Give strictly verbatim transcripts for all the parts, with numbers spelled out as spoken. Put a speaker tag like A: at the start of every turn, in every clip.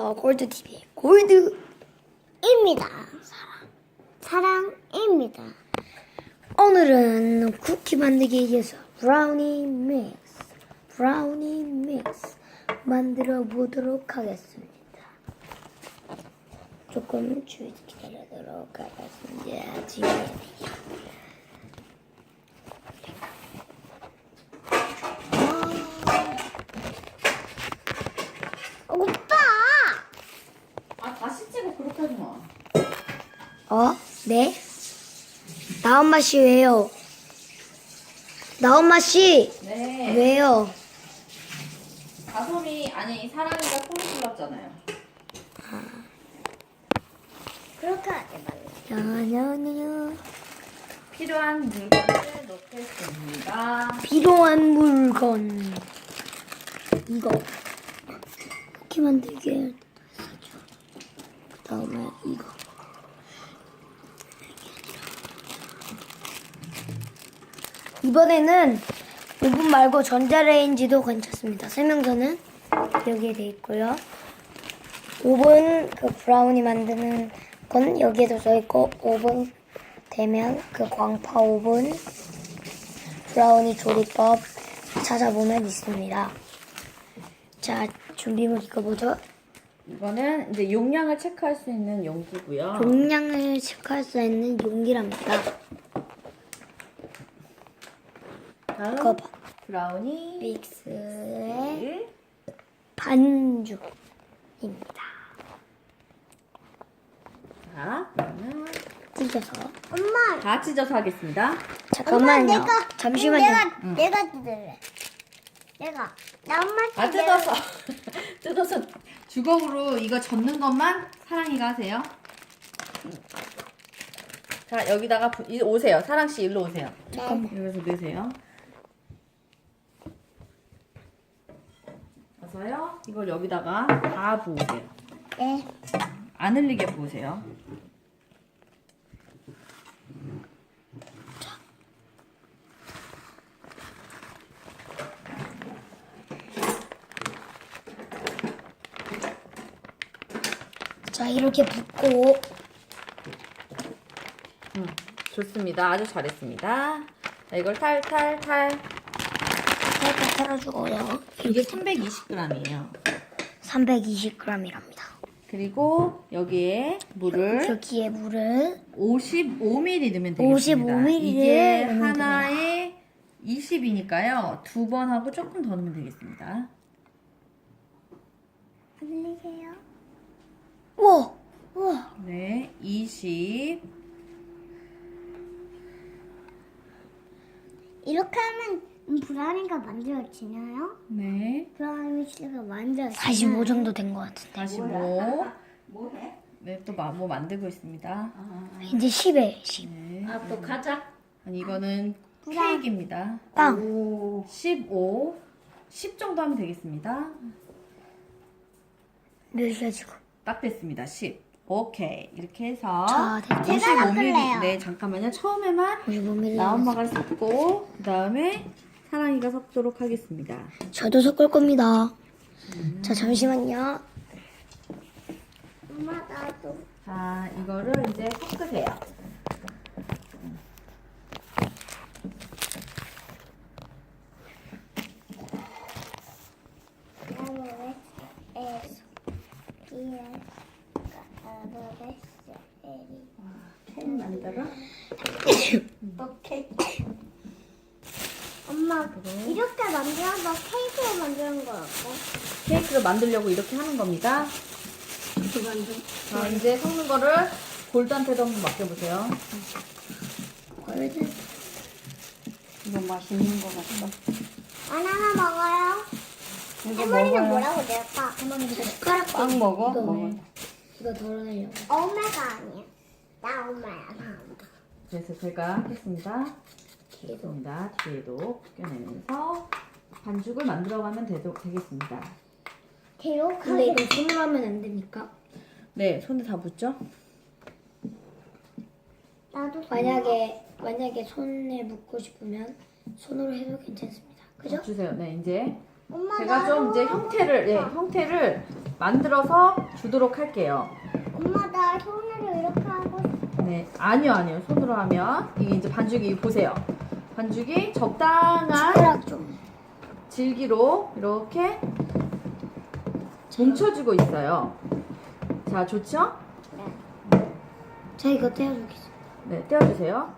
A: 안녕하세요. 골드티비의 골드입니다. 사랑, 사랑입니다. 오늘은 쿠키 만들기에 이어서 브라우니 믹스, 브라우니 믹스 만들어 보도록 하겠습니다. 조금 주의 기다리도록 하겠습니다. 지금 오빠!
B: 아, 다시 찍어. 그렇게 하지 마.
A: 어? 네? 나엄마 씨 왜요? 나엄마 씨
B: 네.
A: 왜요?
B: 가솜이, 아니, 사랑이가 소리 질렀잖아요.
A: 그렇게 하지 말라. 야야야.
B: 필요한 물건을 넣겠습니다.
A: 필요한 물건 이거 쿠키 만들게 사줘. 그 다음에 이거 이번에는 오븐 말고 전자레인지도 괜찮습니다. 설명서는 여기에 돼 있고요. 오븐 그 브라우니 만드는 건 여기에도 써 있고, 오븐 되면 그 광파 오븐 브라우니 조리법 찾아보면 있습니다. 자, 준비물 이거 뭐죠?
B: 이거는 이제 용량을 체크할 수 있는 용기고요.
A: 용량을 체크할 수 있는 용기랍니다.
B: 다음
A: 이거 봐.
B: 브라우니
A: 믹스의 반죽입니다.
B: 자, 그러면
A: 찢어서.
C: 엄마,
B: 다 찢어서 하겠습니다.
A: 잠깐만요.
C: 엄마, 내가,
A: 잠시만요.
C: 내가,
B: 응.
C: 내가 뜯을래. 내가. 나 엄마
B: 아, 뜯어서. 뜯어서 주걱으로 이거 젓는 것만 사랑이가 하세요. 자, 여기다가 부- 이- 오세요. 사랑씨 일로 오세요.
A: 잠깐만.
B: 여기서 넣으세요. 어서요. 이걸 여기다가 다 부으세요.
C: 네.
B: 안 흘리게 부으세요.
A: 자, 이렇게 붓고
B: 음, 좋습니다. 아주 잘했습니다. 자, 이걸 탈탈탈.
A: 살짝 썰어주고요.
B: 이게 삼백이십 그램이에요.
A: 삼백이십 그램이랍니다.
B: 그리고 여기에 물을
A: 여기에 물을
B: 오십오 밀리리터 넣으면 되겠습니다.
A: 오십오 밀리리터를
B: 이게
A: 넣으면
B: 하나에 이십이니까요. 두 번 하고 조금 더 넣으면 되겠습니다.
C: 안녕하세요.
A: 우와! 우와!
B: 네, 이십.
C: 이렇게 하면 브라우니가 만들어지나요?
B: 네,
C: 브라우니가 만들어지나요?
A: 사십오 정도 된 것 같은데.
B: 사십오. 네, 또 뭐 만들고 있습니다.
A: 이제 십에 십.
B: 네.
D: 아, 또 가자.
B: 아니, 이거는 케이크입니다.
A: 빵!
B: 십오. 십 정도 하면 되겠습니다.
A: 몇이야 지금?
B: 딱 됐습니다. 십. 오케이. 이렇게 해서
A: 자, 됐죠?
C: 제가
B: 오십오 밀리리터.
C: 섞을래요.
B: 네, 잠깐만요. 처음에만
A: 오십오 밀리리터.
B: 나엄마가 섞고 그 다음에 사랑이가 섞도록 하겠습니다.
A: 저도 섞을 겁니다. 자, 잠시만요.
C: 엄마, 나도.
B: 자, 이거를 이제 섞으세요. 케이크 만들어? 또 케이크.
C: 엄마, 이렇게 만들어서 케이크를 만드는 거 어때?
B: 케이크를 만들려고 이렇게 하는 겁니다. 자, 이제 섞는 거를 골드한테도 한번 맡겨보세요.
D: 이거 맛있는 거 같다.
C: 바나나 먹어요?
D: 이거
C: 할머니는
D: 먹어요.
C: 뭐라고 낼까?
A: 숟가락
D: 빵 먹어?
A: 이거,
D: 먹어.
A: 이거 덜어내려고.
C: 엄마가 아니야. 나 엄마야, 나 엄마.
B: 그래서 제가 하겠습니다. 좋습니다. 뒤에도 벗겨내면서 반죽을 만들어가면 되도, 되겠습니다.
C: 대로
A: 근데 이거 손으로 하면 안 됩니까?
B: 네, 손에 다 붙죠?
C: 나도
A: 만약에 만약에 손에 묻고 싶으면 손으로 해도 괜찮습니다. 그죠?
B: 주세요. 네, 이제
C: 엄마
B: 제가 좀
C: 나도-
B: 이제 형태를 예, 형태를 만들어서 주도록 할게요.
C: 엄마 나 손으로 이렇게 하고 싶어.
B: 네, 아니요, 아니요. 손으로 하면 이게 이제 반죽이 보세요. 반죽이 적당한
A: 숟가락 좀.
B: 질기로 이렇게 뭉쳐지고 있어요. 자, 좋죠?
A: 자, 이거 떼어주겠습니다.
B: 네, 떼어주세요.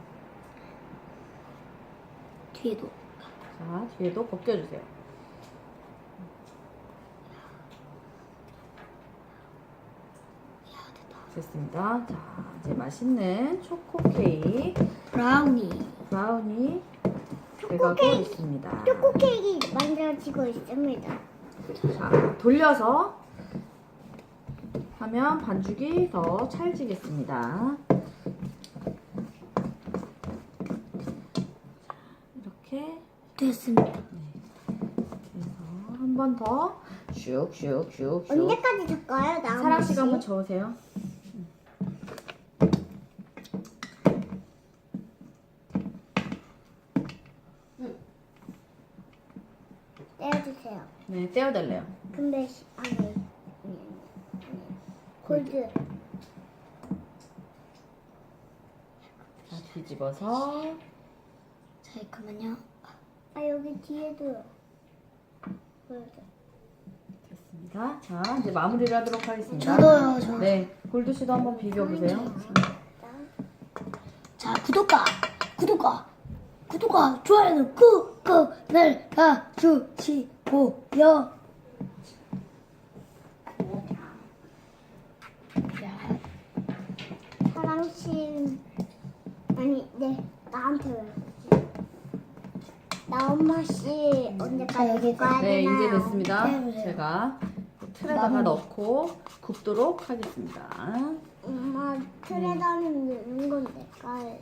A: 뒤에도.
B: 자, 뒤에도 벗겨주세요. 됐습니다. 자, 이제 맛있는 초코 케이크
A: 브라우니.
B: 브라우니 돼가고 있습니다.
C: 초코 케이크 만들어지고 있습니다.
B: 자, 돌려서 하면 반죽이 더 찰지겠습니다. 이렇게
A: 됐습니다.
B: 해서 한 번 더 슉슉슉슉.
C: 언제까지 줄까요? 나
B: 사랑 씨가 한번 저으세요.
C: 떼어주세요.
B: 네, 떼어달래요.
C: 근데 시- 아니, 아니, 아니, 아니. 골드.
B: 자, 뒤집어서
A: 자, 잠깐만요.
C: 아 여기 뒤에도 골드.
B: 됐습니다. 자, 이제 마무리를 하도록 하겠습니다.
A: 저도요, 저.
B: 네, 골드 씨도 한번 비벼보세요.
A: 자, 구독과, 구독과, 구독과 좋아요는 꾹꾹 눌러주시고요. 자,
C: 사랑씨 아니 네 나한테 왜? 나 엄마 씨
A: 자,
C: 언제까지
A: 여기
C: 줄까요?
B: 네, 이제 됐습니다.
A: 떼어주세요.
B: 제가 틀에다가
A: 마무리.
B: 넣고 굽도록 하겠습니다.
C: 엄마 틀에다는 넣는 건데 깔.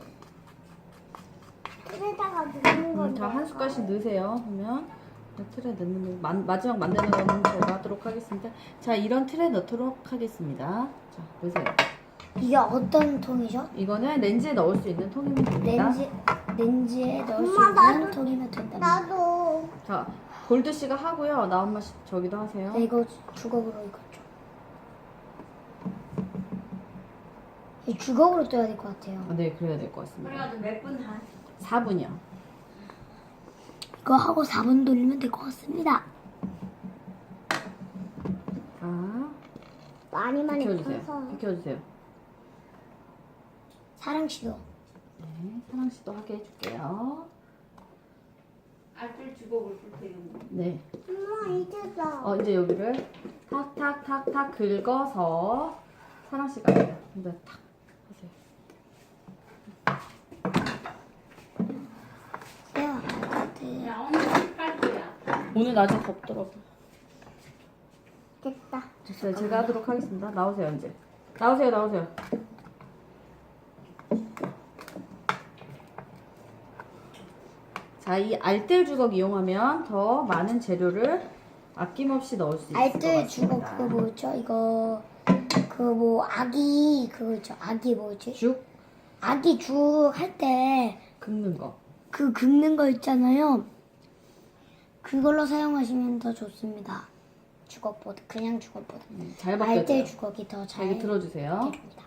C: 틀에다가 넣는
B: 음,
C: 건데.
B: 다 한 숟갈씩 넣으세요. 그러면 틀에 넣는 거, 마, 마지막 만드는 거는 제가 하도록 하겠습니다. 자, 이런 틀에 넣도록 하겠습니다. 자, 넣으세요.
A: 이게 어떤 통이죠?
B: 이거는 렌즈에 넣을 수 있는 통이면 됩니다.
A: 렌즈, 렌즈에 넣을 수
C: 엄마,
A: 있는
C: 나도-
A: 통이면 된답니다.
C: 나도
B: 자, 골드 씨가 하고요. 나엄마 씨 저기도 하세요.
A: 네, 이거 주걱으로 익었죠. 이 주걱으로 떠야 될 것 같아요.
B: 아, 네, 그래야 될 것 같습니다.
D: 그래가지고 몇 분 한?
B: 사 분이요.
A: 이거 하고 사 분 돌리면 될 것 같습니다.
B: 자,
C: 많이 많이
B: 비켜주세요.
C: 커서
B: 비켜주세요.
A: 사랑 씨도.
B: 네, 사랑 씨도 하게 해줄게요.
D: 알뜰 주걱을 볼 때는
B: 네.
C: 엄마 이제다.
B: 어, 이제 여기를 탁탁탁탁 긁어서 사랑 씨가 해요. 근데 탁 하세요.
A: 야, 같아.
D: 야 오늘 깔 거야.
B: 오늘 낮에 덥더라고.
C: 됐다.
B: 됐어요. 제가 하도록 하겠습니다. 나오세요, 이제. 나오세요, 나오세요. 자, 이 알뜰 주걱 이용하면 더 많은 재료를 아낌없이 넣을 수 있을 것
A: 알뜰
B: 같습니다.
A: 주걱 그거 뭐였죠? 이거 그 뭐 아기 그거 있죠? 아기 뭐였지?
B: 죽
A: 아기 죽 할 때
B: 긁는 거.
A: 그 긁는 거 있잖아요. 그걸로 사용하시면 더 좋습니다. 주걱보다 그냥 주걱보다
B: 음, 잘
A: 알뜰
B: 바뀌어져요.
A: 주걱이 더
B: 자,
A: 잘
B: 여기 들어주세요.
A: 됩니다.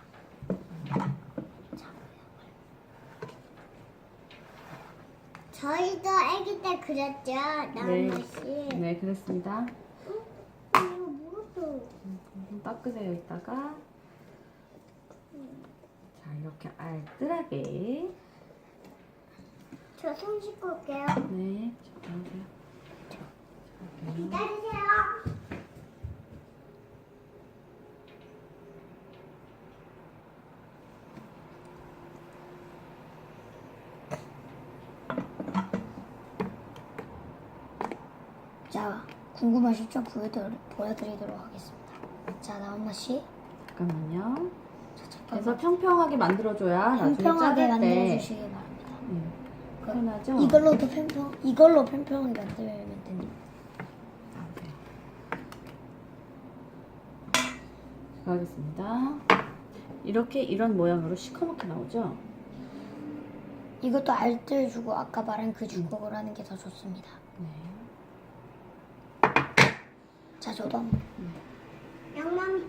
C: 저희도 아기 때 그렸죠,
B: 네.
C: 나엄마 씨.
B: 네, 그렇습니다.
C: 이거 뭐죠?
B: 좀 닦으세요, 이따가. 자, 이렇게 알뜰하게.
C: 저 손 씻고 올게요.
B: 네, 자, 나오세요.
C: 기다리세요.
A: 자, 궁금하시죠? 보여드리, 보여드리도록 하겠습니다. 자, 나엄마 씨.
B: 잠깐만요. 그래서 평평하게 만들어줘야 나중에
A: 평평하게
B: 자를 때
A: 만들어주시기 바랍니다.
B: 음,
A: 그,
B: 편하죠?
A: 이걸로도 평평, 이걸로 평평하게 만들면 됩니다.
B: 나오세요. 제가 하겠습니다. 이렇게 이런 모양으로 시커멓게 나오죠?
A: 이것도 알뜰 주고 아까 말한 그 주걱을 하는 게 더 좋습니다.
B: 네.
A: 자, 저도 한번.
C: 양맘이.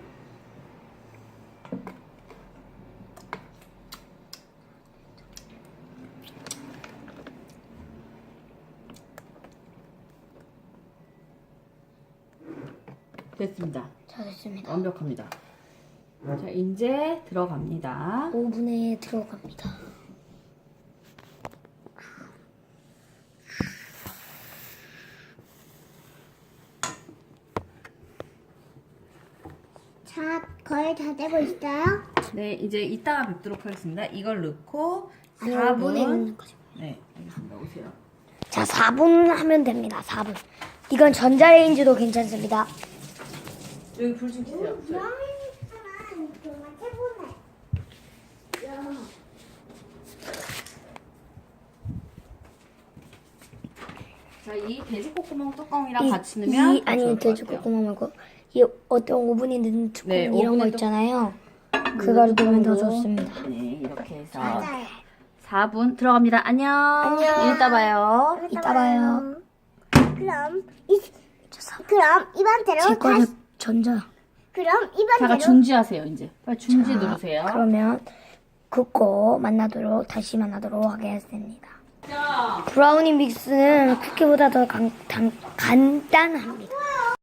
B: 됐습니다.
A: 자, 됐습니다.
B: 완벽합니다. 자, 이제 들어갑니다.
A: 오븐에 들어갑니다.
C: 자, 거의 다 되고 있어요?
B: 네, 이제 이따가 뵙도록 하겠습니다. 이걸 넣고
A: 아니,
B: 사
A: 오븐에
B: 분.
A: 넣는 거죠.
B: 네, 알겠습니다. 오세요.
A: 자, 사 분 하면 됩니다. 사 분. 이건 전자레인지도 괜찮습니다.
B: 여기 불 좀 켜세요.
C: 브라우니는 정말 최고네. 야.
B: 자, 이 돼지코코몽 뚜껑이랑
A: 이,
B: 같이 넣으면
A: 이
B: 더
A: 아니
B: 좋을 것
A: 돼지고기
B: 같아요.
A: 구멍 말고 이 어떤 오븐에 넣는 뚜껑
B: 네,
A: 이런 거
B: 오븐에도-
A: 있잖아요. 그거를 넣으면 더
B: 뚜껑으로.
A: 좋습니다.
B: 네, 이렇게 해서
C: 맞아요.
B: 사 분 들어갑니다. 안녕.
A: 안녕.
B: 이따 봐요.
A: 이따 봐요.
C: 그럼 이 그럼 이번
A: 제
C: 대로
A: 거는
C: 다시
A: 전자.
C: 그럼 이번
B: 자가
C: 대로
B: 중지하세요, 이제. 빨리 중지
A: 자,
B: 누르세요.
A: 그러면 굽고 만나도록 다시 만나도록 하겠습니다.
B: 자,
A: 브라우니 믹스는 쿠키보다 더 간, 단, 간단합니다.